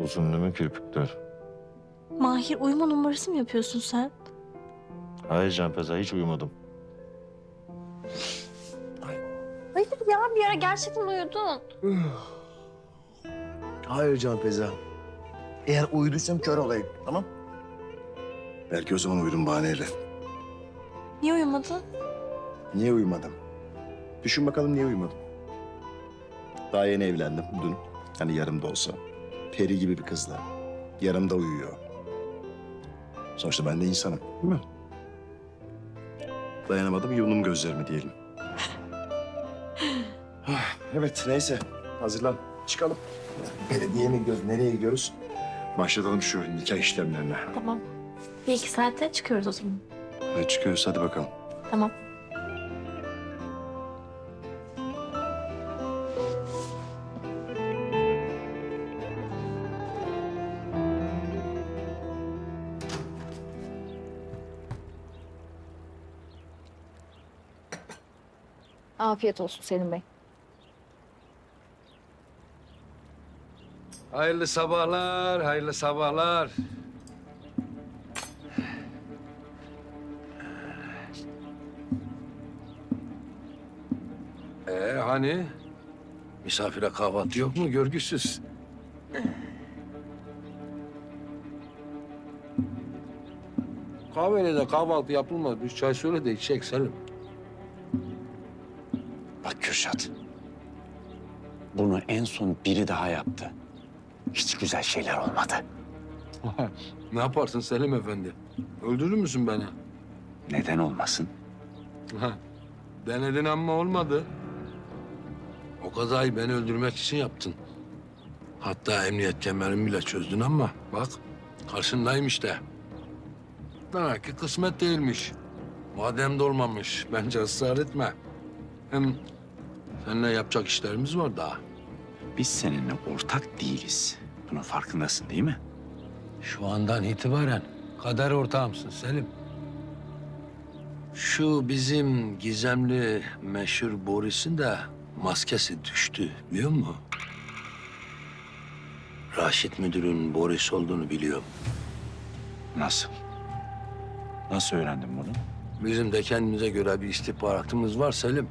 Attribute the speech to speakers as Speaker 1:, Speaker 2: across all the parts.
Speaker 1: Uzun değil mi kirpikler?
Speaker 2: Mahir uyuma numarası mı yapıyorsun sen?
Speaker 1: Hayır Canfeza, hiç uyumadım.
Speaker 2: Hayır ya bir ara gerçekten uyudun.
Speaker 3: Hayır Canfeza. Eğer uyuduysam kör olayım, tamam? Belki o zaman uyudum bahaneyle.
Speaker 2: Niye uyumadın?
Speaker 3: Niye uyumadım? Düşün bakalım niye uyumadım? Daha yeni evlendim dün. Hani yarımda olsa. Peri gibi bir kızla. Yarımda uyuyor. Sonuçta ben de insanım, değil mi? Dayanamadım, yumdum gözlerimi diyelim. Evet, neyse. Hazırlan. Çıkalım. Belediye mi gidiyoruz, nereye gidiyoruz? Başlatalım şu nikah işlemlerine.
Speaker 2: Tamam. Bir iki saate çıkıyoruz o zaman.
Speaker 3: Hadi çıkıyoruz, hadi bakalım.
Speaker 2: Tamam.
Speaker 4: Afiyet olsun Selim Bey.
Speaker 5: Hayırlı sabahlar, hayırlı sabahlar. Hani? Misafire kahvaltı yok mu görgüsüz? Kahveyle de kahvaltı yapılmaz. Bir çay söyle de içecek Selim.
Speaker 6: Bak Kürşat. Bunu en son biri daha yaptı. Hiç güzel şeyler olmadı.
Speaker 5: Ne yaparsın Selim Efendi? Öldürür müsün beni?
Speaker 6: Neden olmasın?
Speaker 5: Denedin ama olmadı. O kazayı beni öldürmek için yaptın. Hatta emniyet kemerimi bile çözdün ama bak karşındayım işte. Demek ki kısmet değilmiş. Madem de olmamış bence ısrar etme. Hem seninle yapacak işlerimiz var daha.
Speaker 6: Biz seninle ortak değiliz. Bunun farkındasın değil mi?
Speaker 5: Şu andan itibaren kader ortağımsın Selim. Şu bizim gizemli meşhur Boris'in de maskesi düştü biliyor musun? Raşit müdürün Boris olduğunu biliyorum.
Speaker 6: Nasıl? Nasıl öğrendin bunu?
Speaker 5: Bizim de kendimize göre bir istihbaratımız var Selim.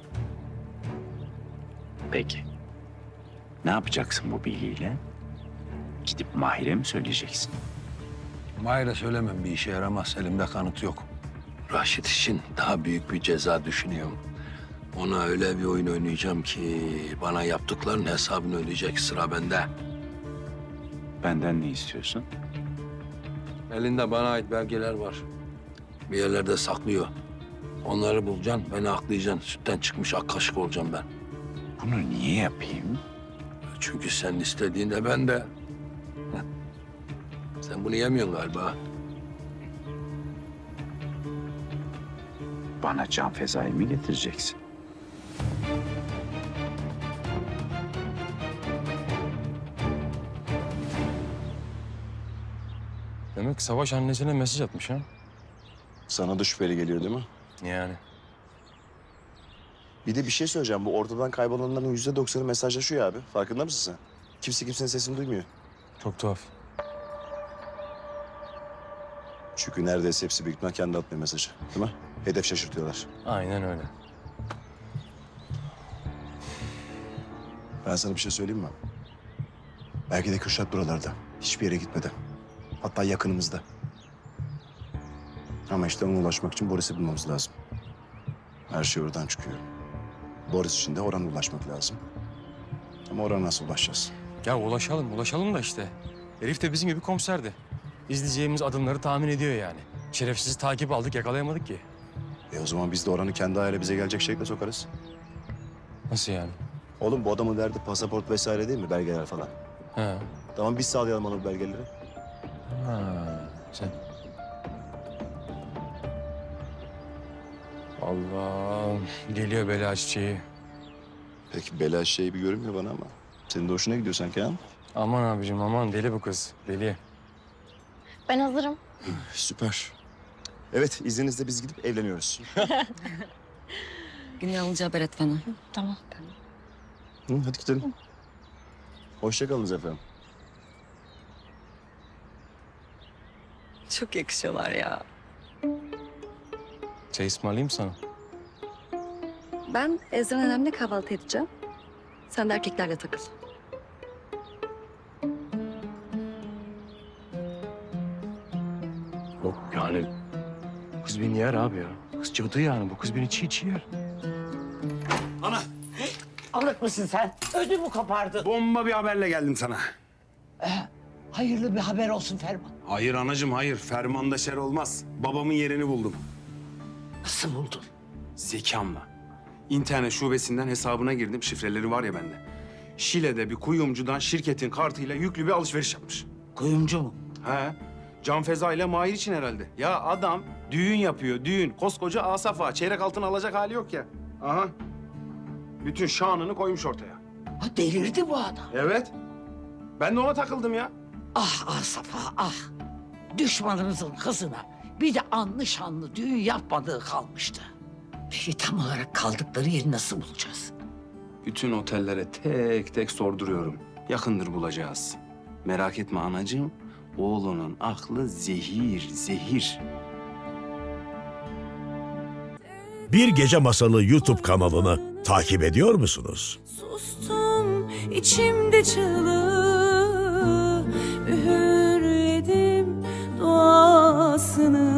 Speaker 6: Peki. Ne yapacaksın bu bilgiyle? Gidip Mahir'e mi söyleyeceksin?
Speaker 5: Mahir'e söylemem bir işe yaramaz. Elimde kanıt yok. Raşit için daha büyük bir ceza düşünüyorum. Ona öyle bir oyun oynayacağım ki bana yaptıklarının hesabını ödeyecek, sıra bende.
Speaker 6: Benden ne istiyorsun?
Speaker 5: Elinde bana ait belgeler var. Bir yerlerde saklıyor. Onları bulacaksın, beni aklayacaksın. Sütten çıkmış ak kaşık olacağım ben.
Speaker 6: Bunu niye yapayım?
Speaker 5: Çünkü sen istediğinde ben de... Sen bunu yemiyorsun galiba.
Speaker 6: Bana can fezayı mı getireceksin?
Speaker 7: Demek Savaş annesine mesaj atmış ha?
Speaker 3: Sana da şüpheli geliyor değil mi?
Speaker 7: Yani.
Speaker 3: Bir de bir şey söyleyeceğim. Bu ortadan kaybolanların %90'ı mesajlaşıyor abi. Farkında mısın sen? Kimse kimsenin sesini duymuyor.
Speaker 7: Çok tuhaf.
Speaker 3: Çünkü neredeyse hepsi büyük ihtimal kendi atmıyor mesajı. Değil mi? Hedef şaşırtıyorlar.
Speaker 7: Aynen öyle.
Speaker 3: Ben sana bir şey söyleyeyim mi? Belki de Kürşat buralarda. Hiçbir yere gitmedi. Hatta yakınımızda. Ama işte ona ulaşmak için Boris'i bulmamız lazım. Her şey oradan çıkıyor. Boris için de Orhan'a ulaşmak lazım. Ama Orhan'a nasıl ulaşacağız?
Speaker 7: Ya ulaşalım da işte. Herif de bizim gibi komiserdi. İzleyeceğimiz adımları tahmin ediyor yani. Şerefsiz takip aldık, yakalayamadık ki.
Speaker 3: O zaman biz de Orhan'ı kendi ayağıyla bize gelecek şekilde sokarız.
Speaker 7: Nasıl yani?
Speaker 3: Oğlum bu adamın derdi pasaport vesaire değil mi? Belgeler falan.
Speaker 7: Ha.
Speaker 3: Tamam biz sağlayalım ona bu belgeleri.
Speaker 7: Ha. Sen... Allah. Geliyor bela çiçeği.
Speaker 3: Peki bela şey bir görünmüyor bana ama. Senin de hoşuna gidiyor sanki ha?
Speaker 7: Aman abicim aman deli bu kız. Deli.
Speaker 2: Ben hazırım.
Speaker 3: Süper. Evet izninizle biz gidip evleniyoruz.
Speaker 8: Güney alınca haber et bana.
Speaker 2: Tamam.
Speaker 3: Hı, hadi gidelim. Hoşça kalınız efendim.
Speaker 8: Çok yakışıyorlar ya.
Speaker 7: Çay ısmarlayayım sana.
Speaker 8: Ben Ezra nenemle kahvaltı edeceğim. Sen de erkeklerle takıl.
Speaker 7: Yok yani kız beni yer abi ya. Kız cadı yani, bu kız beni çiğ çiğ yer.
Speaker 9: Alık mısın sen? Ödümü kopardın.
Speaker 10: Bomba bir haberle geldim sana.
Speaker 9: Hayırlı bir haber olsun Ferman.
Speaker 10: Hayır anacığım hayır. Fermanda şer olmaz. Babamın yerini buldum.
Speaker 9: Nasıl buldun?
Speaker 10: Zekamla. İnternet şubesinden hesabına girdim. Şifreleri var ya bende. Şile'de bir kuyumcudan şirketin kartıyla yüklü bir alışveriş yapmış.
Speaker 9: Kuyumcu mu?
Speaker 10: He. Can Feza ile Mahir için herhalde. Ya adam düğün yapıyor, düğün. Koskoca Asaf Ağa. Çeyrek altın alacak hali yok ya. Aha. Bütün şanını koymuş ortaya.
Speaker 9: Ha, delirdi bu adam.
Speaker 10: Evet. Ben de ona takıldım ya.
Speaker 9: Ah Safa ah. Düşmanımızın kızına bir de anlı şanlı düğün yapmadığı kalmıştı. Peki tam olarak kaldıkları yeri nasıl bulacağız?
Speaker 10: Bütün otellere tek tek sorduruyorum. Yakındır bulacağız. Merak etme anacığım. Oğlunun aklı zehir, zehir.
Speaker 11: Bir Gece Masalı YouTube kanalını takip ediyor musunuz?
Speaker 12: Sustum içimde çığlığı, üğürledim duasını.